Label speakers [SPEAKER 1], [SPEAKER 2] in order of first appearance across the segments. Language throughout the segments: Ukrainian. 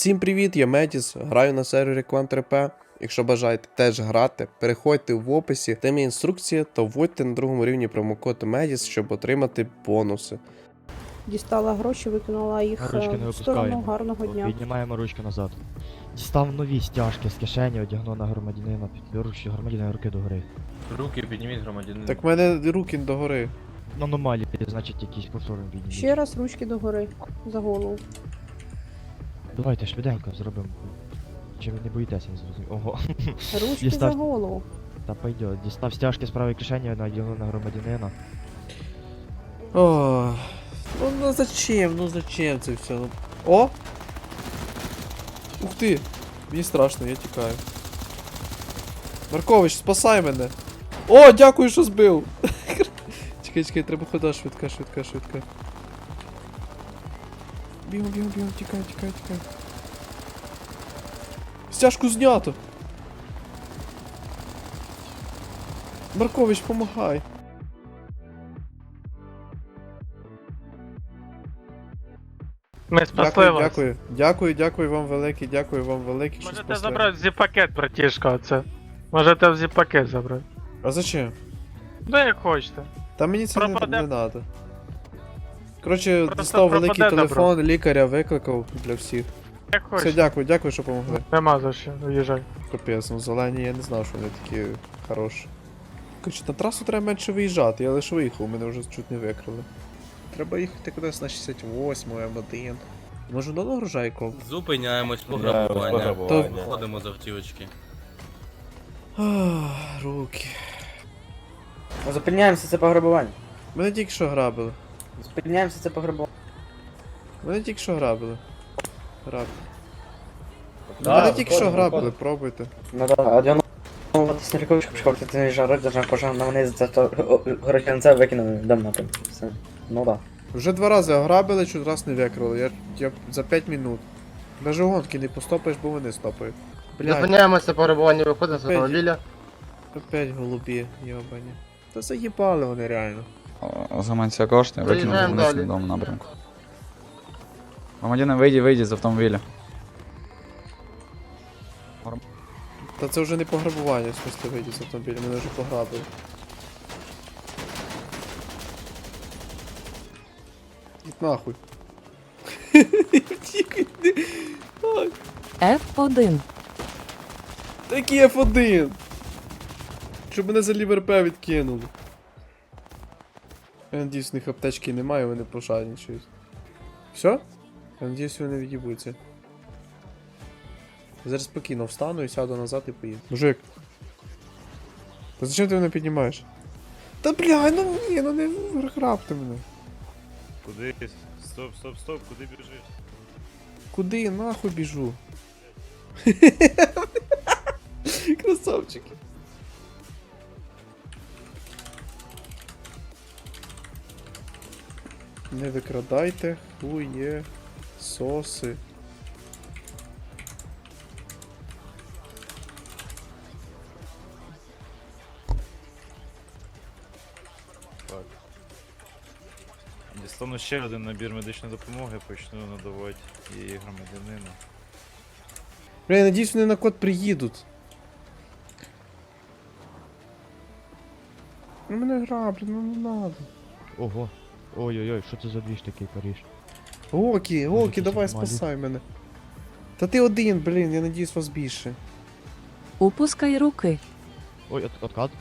[SPEAKER 1] Всім привіт, я Медіс, граю на сервері QuantRP. Якщо бажаєте теж грати, переходьте в описі, там є інструкція, та вводьте на другому рівні промокод Медіс, щоб отримати бонуси.
[SPEAKER 2] Дістала гроші, викинула їх
[SPEAKER 3] Ручки не
[SPEAKER 2] в сторону.
[SPEAKER 3] опускаємо.
[SPEAKER 2] Гарного дня.
[SPEAKER 3] Піднімаємо ручки назад. Дістав нові стяжки з кишені, одягнув на громадянина, ручки громадянина руки догори.
[SPEAKER 4] Руки підніміть, громадянин.
[SPEAKER 1] Так в мене руки догори.
[SPEAKER 3] Аномалії, значить якісь повторні підніміть.
[SPEAKER 2] Ще раз ручки догори за голову.
[SPEAKER 3] Давайте швиденько зробимо. Чи ви не боїтеся, не зрозумів. Ого.
[SPEAKER 2] Ручки
[SPEAKER 3] Дістав-
[SPEAKER 2] за голову.
[SPEAKER 3] Та пойдет. Дістав стяжки з правої кишені, одягнув на громадянина.
[SPEAKER 1] О, ну зачем це все? О! Ух ти! Мені страшно, я тікаю. Маркович, спасай мене! О, дякую, що збив! Чекай, треба хода, швидка. Бігом, тікай. Стяжку знято! Маркович, помагай!
[SPEAKER 5] Ми спасли вас.
[SPEAKER 1] Дякую вам велике, що
[SPEAKER 5] Можете
[SPEAKER 1] спасли.
[SPEAKER 5] забрати зіп-пакет, братішка, оце. Можете в зіп-пакет забрати.
[SPEAKER 1] А зачем?
[SPEAKER 5] Ну як хочете.
[SPEAKER 1] Та мені це
[SPEAKER 5] Пропаде-
[SPEAKER 1] не надо. Коротше,
[SPEAKER 5] Просто
[SPEAKER 1] дістав великий
[SPEAKER 5] пропаде
[SPEAKER 1] телефон, лікаря викликав для всіх.
[SPEAKER 5] Як
[SPEAKER 1] Все,
[SPEAKER 5] хочете.
[SPEAKER 1] дякую, що помогли.
[SPEAKER 5] Нема за що, уїжджай.
[SPEAKER 1] Капець, ну зелені я не знав, що вони такі хороші. Коротше, на трасу треба менше виїжджати, я лише виїхав, мене вже чуть не викрили. Треба їхати кудись на 68 М1. Може воно нагружає комп?
[SPEAKER 4] Зупиняємось пограбування.
[SPEAKER 1] То...
[SPEAKER 4] Виходимо з автівочки.
[SPEAKER 1] Руки.
[SPEAKER 6] Зупиняємося, це пограбування.
[SPEAKER 1] Мене тільки що грабили.
[SPEAKER 6] Зупиняємося, це пограбування.
[SPEAKER 1] Мене тільки що грабили. Мене тільки що
[SPEAKER 6] виходимо,
[SPEAKER 1] грабили, пробуйте.
[SPEAKER 6] Ну да, одягнуватись на ліковичку, приходити ти жарок, держав пожар на вони за то городянця викинули дом напрям. Все. Ну да.
[SPEAKER 1] Вже 2 рази ограбили, чуть раз не викрили. Я за 5 минут. Даже гонки не постопаєш, бо вони стопають. Блядь,
[SPEAKER 7] Зупиняємося по грабуванню, виходимо з
[SPEAKER 1] Опять.
[SPEAKER 7] автомобіля.
[SPEAKER 1] опять голубі, йобані. Та заїбали вони реально.
[SPEAKER 8] Заманця кошти, викинув
[SPEAKER 7] Виїжджаємо
[SPEAKER 8] вниз
[SPEAKER 7] далі.
[SPEAKER 8] на дому напрямку. Громадянин, вийди з автомобіля.
[SPEAKER 1] Та це вже не пограбування, в смысле вийти з автомобіля, мене вже пограбили. Ідь нахуй.
[SPEAKER 9] F1.
[SPEAKER 1] Такий F1! Щоб мене за ліверпе відкинули. Я надіюсь, у них аптечки немає, вони пошарничають. Все? Я надіюсь, вони від'їбуться. Я зараз спокійно встану і сяду назад і поїду. Мужик. Та зачем ти мене піднімаєш? Та бля, ну ні, ну не грабте мене.
[SPEAKER 10] Куди? Стоп, куди біжиш?
[SPEAKER 1] Куди? Нахуй біжу. Красавчики. Не викрадайте, хує, соси.
[SPEAKER 10] Так. Дістану ще один набір медичної допомоги, почну надавати її громадянину.
[SPEAKER 1] Бля, я надіюсь, вони на код приїдуть. Ну мене граблять, ну не надо.
[SPEAKER 3] Ого. Ой-ой-ой, що це за двіж такий Паріж?
[SPEAKER 1] Окі,
[SPEAKER 3] Може,
[SPEAKER 1] давай
[SPEAKER 3] це нормально?
[SPEAKER 1] спасай мене. Та ти один, блін, я надіюсь вас більше.
[SPEAKER 9] Упускай руки.
[SPEAKER 3] Ой, откат.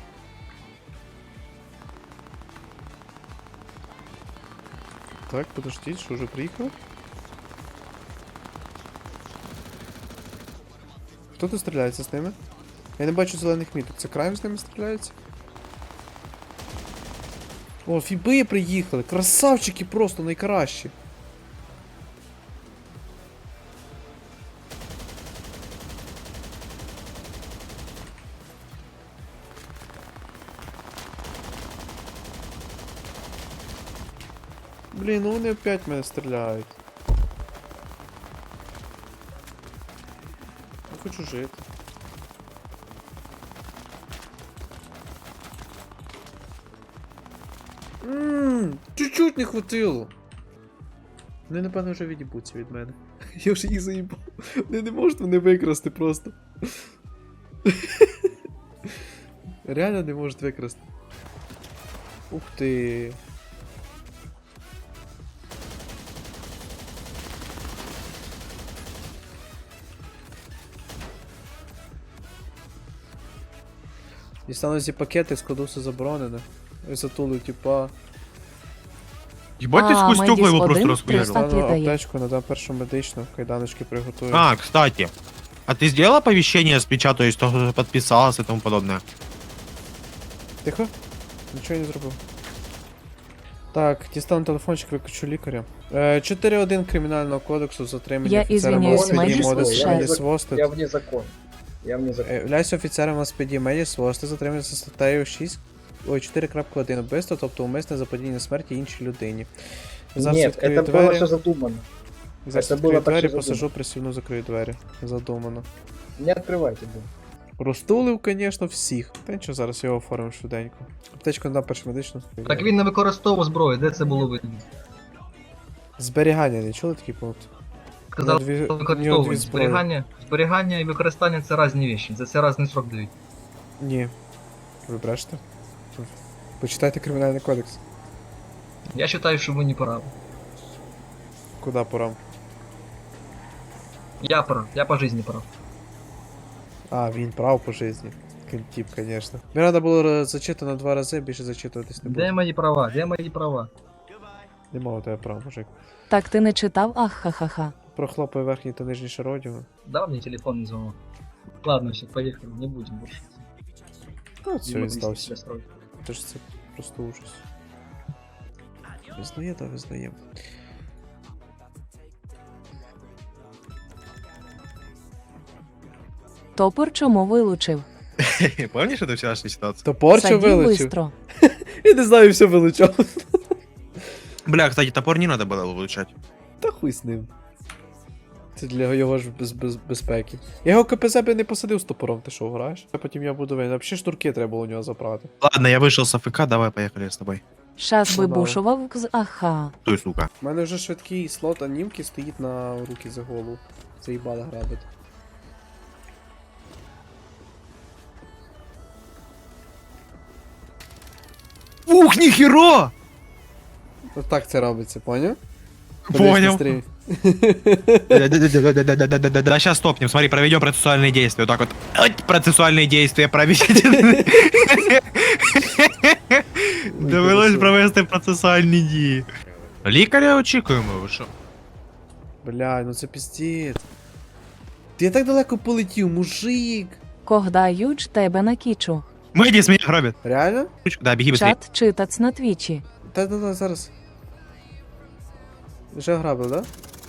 [SPEAKER 1] Так, подождіть, що вже приїхав? Хто тут стріляється з ними? Я не бачу зелених міток. Це Крайм з ними стріляється? О, фіби приїхали! Красавчики просто найкращі! Блін, ну вони опять в мене стріляють. Я хочу жити. Чуть-чуть не хватило. Вони, напевно, вже відібуться від мене. Я вже їх заїбав. Вони не можуть мене викрасти просто. Реально не можуть викрасти. Ух ти. Дістану зі пакети, складу все заборонене. І затулив типа.
[SPEAKER 7] Ебать, ты сквозь стекла его просто расхуярил.
[SPEAKER 9] Так,
[SPEAKER 1] Стану
[SPEAKER 9] кидає.
[SPEAKER 1] аптечку, надам першу медичну, кайданочки приготую.
[SPEAKER 7] А, кстати. А ты сделал оповещение с плеча, то есть кто подписался и тому подобное?
[SPEAKER 1] Тихо. Нічого не зробив. Так, дістану телефончик, виключу лікаря. 4.1 Кримінального кодексу затримання
[SPEAKER 9] Я
[SPEAKER 1] офіцером
[SPEAKER 9] извиняюсь,
[SPEAKER 1] ЛСПД
[SPEAKER 9] Медіс
[SPEAKER 1] Медіс
[SPEAKER 9] Медіс
[SPEAKER 1] Востед.
[SPEAKER 6] Я вне закон. Я вне закон.
[SPEAKER 1] Являюсь офіцером ЛСПД Медіс Востед, затримання за статтею 4.1 вбивство, тобто умисне заподіяння смерті іншій людині. Зараз
[SPEAKER 6] Нет,
[SPEAKER 1] відкрию
[SPEAKER 6] это было
[SPEAKER 1] двері,
[SPEAKER 6] все задумано.
[SPEAKER 1] зараз
[SPEAKER 6] це
[SPEAKER 1] відкрию
[SPEAKER 6] було так,
[SPEAKER 1] двері,
[SPEAKER 6] що
[SPEAKER 1] посажу,
[SPEAKER 6] задумано.
[SPEAKER 1] присівну, закрию двері. Задумано.
[SPEAKER 6] Не открывайте, блин.
[SPEAKER 1] Розтулив, звісно, всіх. Та нічого, зараз його оформимо швиденько. Аптечку надам першу медичну.
[SPEAKER 11] Так він не використовував зброю, де це було видно?
[SPEAKER 1] Зберігання, не чули такий пункт?
[SPEAKER 11] Сказав,
[SPEAKER 1] У нього дві
[SPEAKER 11] використовувати.
[SPEAKER 1] зброї.
[SPEAKER 11] Зберігання і використання це різні речі. За це різний срок дають.
[SPEAKER 1] Ні. Ви брешете? Почитайте Кримінальний кодекс.
[SPEAKER 11] Я вважаю, що ви не праві.
[SPEAKER 1] Куда пора?
[SPEAKER 11] Я прав, я по житті прав.
[SPEAKER 1] А, він прав по житті. Тип, звісно. Мені треба було зачитано 2 рази, більше зачитуватись не
[SPEAKER 11] Де
[SPEAKER 1] буду.
[SPEAKER 11] мої права? Де мої права?
[SPEAKER 1] Нема у тебе прав, мужик.
[SPEAKER 9] Так ти не читав? Ах, ха-ха-ха.
[SPEAKER 1] Прохлопай верхній та нижній шар одягу.
[SPEAKER 11] Да, мне телефонный звонок. Ладно, все, поехали, не будем больше.
[SPEAKER 1] Ну,
[SPEAKER 11] Не
[SPEAKER 1] все,
[SPEAKER 11] могу
[SPEAKER 1] він
[SPEAKER 11] себя
[SPEAKER 1] здався.
[SPEAKER 11] строить.
[SPEAKER 1] Це ж це просто ужас. Визнає, да, визнає.
[SPEAKER 9] Топор чому вилучив?
[SPEAKER 7] Помнишь эту вчерашнюю ситуацию?
[SPEAKER 1] Топор що
[SPEAKER 9] Садів
[SPEAKER 1] вилучив?
[SPEAKER 9] бистро.
[SPEAKER 1] Я не знаю, все вилучав.
[SPEAKER 7] Бля, кстати, топор не надо было улучшать.
[SPEAKER 1] Та хуй з ним. Це для його ж безпеки. Я його КПЗ би не посадив з топором, ти що, граєш? А потім я буду винен. Взагалі штурки треба було у нього забрати.
[SPEAKER 7] Ладно, я вышел с АФК, давай поехали с тобой.
[SPEAKER 9] Щас
[SPEAKER 1] Ну,
[SPEAKER 9] вибушував з аха.
[SPEAKER 7] Той, сука.
[SPEAKER 1] У мене вже швидкий слот анімки стоїть на руки за голову. Це їбала грабить.
[SPEAKER 7] Ух, нихера!
[SPEAKER 1] От так це робиться, поняв?
[SPEAKER 7] Понял.
[SPEAKER 1] Подивись,
[SPEAKER 7] Да, сейчас стопнем, смотри, проведем процессуальные действия. Вот так вот. Процессуальные действия проведем. Довелось провести процесуальні дії. Лікаря очікуємо, ви що?
[SPEAKER 1] Бля, ну це піздець. Ти так далеко полетів, мужик.
[SPEAKER 9] Когда юч тебе на кічу.
[SPEAKER 7] Мэдис меня гробит.
[SPEAKER 1] Реально?
[SPEAKER 7] Да, беги быстрее.
[SPEAKER 9] Чат читац на твічі.
[SPEAKER 1] Та-та-та, зараз. Вже грабив, да?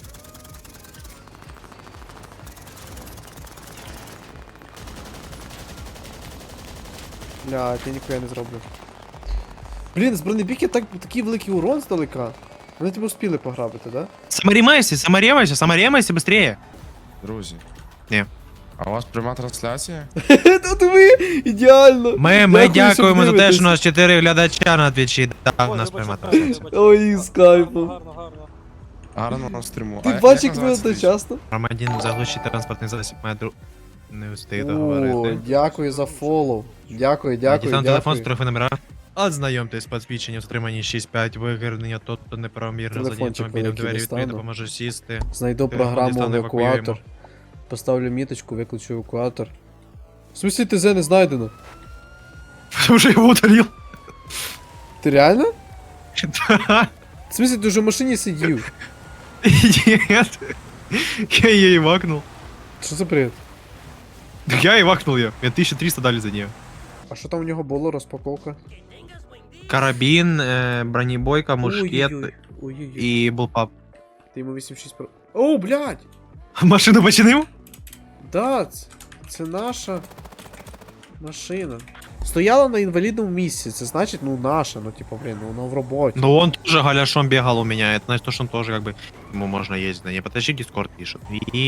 [SPEAKER 1] Бля, я ніхуя не зроблю. Блін, з бронебіки такий великий урон здалека. Вони тебе успіли пограбити, да?
[SPEAKER 7] Саморемайся быстрее.
[SPEAKER 10] Друзі.
[SPEAKER 7] Ні.
[SPEAKER 10] А у вас пряма трансляція?
[SPEAKER 1] Тут ви! Ідеально!
[SPEAKER 7] Ми
[SPEAKER 1] Дякую, що
[SPEAKER 7] дякуємо за те,
[SPEAKER 1] дивитесь.
[SPEAKER 7] що у нас 4 глядача на твічі. Да, у нас пряма трансляція.
[SPEAKER 1] Ой, з кайфом.
[SPEAKER 10] Гарного стріму.
[SPEAKER 1] Ти бачиш, як ми одночасно?
[SPEAKER 7] Громадян заглушить транспортний засіб, має не встиг
[SPEAKER 1] О,
[SPEAKER 7] договорити.
[SPEAKER 1] дякую за фоллоу. Дякую,
[SPEAKER 7] Дістану телефон з
[SPEAKER 1] дякую.
[SPEAKER 7] трьох номера. Ознайомтесь з посвідченням затримані 6-5 вигорнення, тот, хто неправомірно задіє
[SPEAKER 1] Телефончик
[SPEAKER 7] автомобілем
[SPEAKER 1] великий
[SPEAKER 7] двері відкрити,
[SPEAKER 1] дістану.
[SPEAKER 7] допоможе сісти.
[SPEAKER 1] Знайду
[SPEAKER 7] Телефон
[SPEAKER 1] програму
[SPEAKER 7] дістану,
[SPEAKER 1] евакуатор.
[SPEAKER 7] евакуюємо.
[SPEAKER 1] Поставлю міточку, виключу евакуатор. В смысле ТЗ не знайдено?
[SPEAKER 7] Уже його удалил.
[SPEAKER 1] Ти реально?
[SPEAKER 7] Да.
[SPEAKER 1] В смысле, ти вже в машині сидів?
[SPEAKER 7] Нет. Я ее евакнул.
[SPEAKER 1] Що за бред?
[SPEAKER 7] Я евакнул ее. Мне 1300 дали за нее.
[SPEAKER 1] А що там у нього було, розпаковка?
[SPEAKER 7] Карабин, бронебойка, мушкет
[SPEAKER 1] Ой-ой-ой. Ой-ой-ой.
[SPEAKER 7] и булпап.
[SPEAKER 1] Ти йому 8.6 про... О, блядь!
[SPEAKER 7] Машину починив?
[SPEAKER 1] Да, це наша машина. Стояла на інвалідному місці, це значить, ну наша, ну типа, блін, ну вона в роботі.
[SPEAKER 7] Ну он тоже галяшом бегал у меня. Это значит, что он тоже как бы ему можно ездить на ней. Подожди, Дискорд пишет.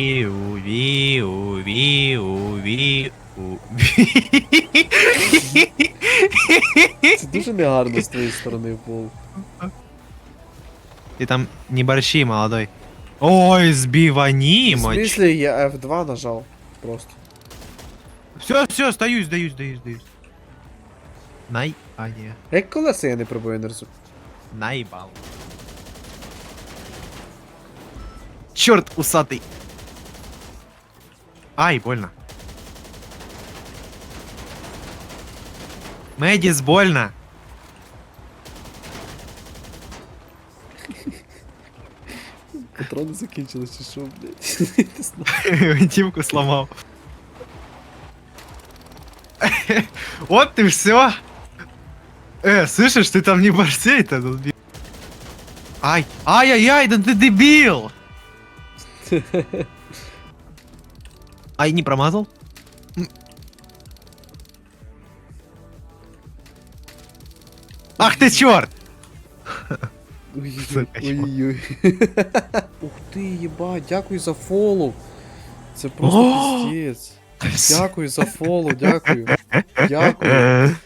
[SPEAKER 1] Це дуже негарно з твоєї сторони було.
[SPEAKER 7] Ты там не борщи, молодой. Ой,
[SPEAKER 1] В
[SPEAKER 7] збиванімоч.
[SPEAKER 1] смислі, я F2 нажав. Просто.
[SPEAKER 7] Все, сдаюсь. А, ні.
[SPEAKER 1] Як колеса я не пробую, я не розумію.
[SPEAKER 7] Наїбал. Чорт усатий. Ай, больно. Медіс, больно.
[SPEAKER 1] Патрони закінчились, чи що, блядь? Не знаю.
[SPEAKER 7] Гвинтівку сломав. Вот ты все. Слышишь, ты там не борзей-то. Ай, ай-яй-яй, да ты дебил! Ай, не промазал? Ах ты черт!
[SPEAKER 1] Ой-ой-ой. Ух ти, їбать, дякую за фоллоу. Це просто пиздец. Дякую за фоллоу, дякую. Дякую.